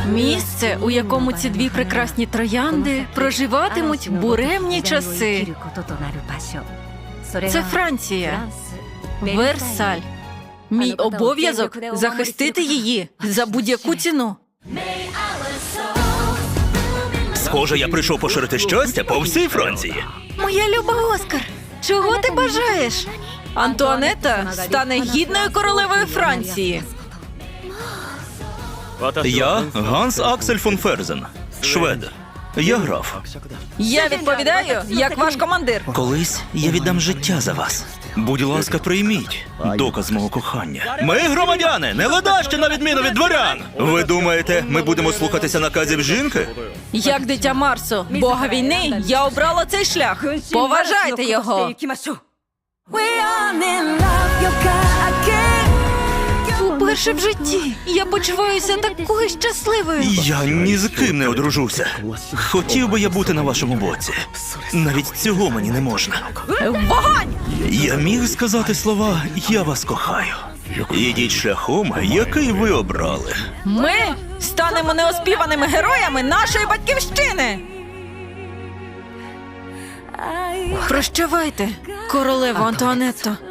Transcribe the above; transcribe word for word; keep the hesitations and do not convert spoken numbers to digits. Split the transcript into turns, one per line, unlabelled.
Місце, у якому ці дві прекрасні троянди проживатимуть буремні часи. Це Франція. Версаль. Мій обов'язок – захистити її за будь-яку ціну.
Схоже, я прийшов поширити щастя по всій Франції.
Моя люба Оскар, чого ти бажаєш? Антуанетта стане гідною королевою Франції.
Я Ганс Аксель фон Ферзен, швед. Я граф.
Я відповідаю, як ваш командир.
Колись я віддам життя за вас. Будь ласка, прийміть доказ мого кохання. Ми громадяни, не ледащі на відміну від дворян. Ви думаєте, ми будемо слухатися наказів жінки?
Як дитя Марсу, бога війни, я обрала цей шлях. Поважайте його. Уперше в житті я почуваюся такою щасливою.
Я ні з ким не одружуся. Хотів би я бути на вашому боці. Навіть цього мені не можна.
Вогонь!
Я міг сказати слова «я вас кохаю». Ідіть шляхом, який ви обрали.
Ми станемо неоспіваними героями нашої батьківщини. Прощавайте, королево Антуанетто.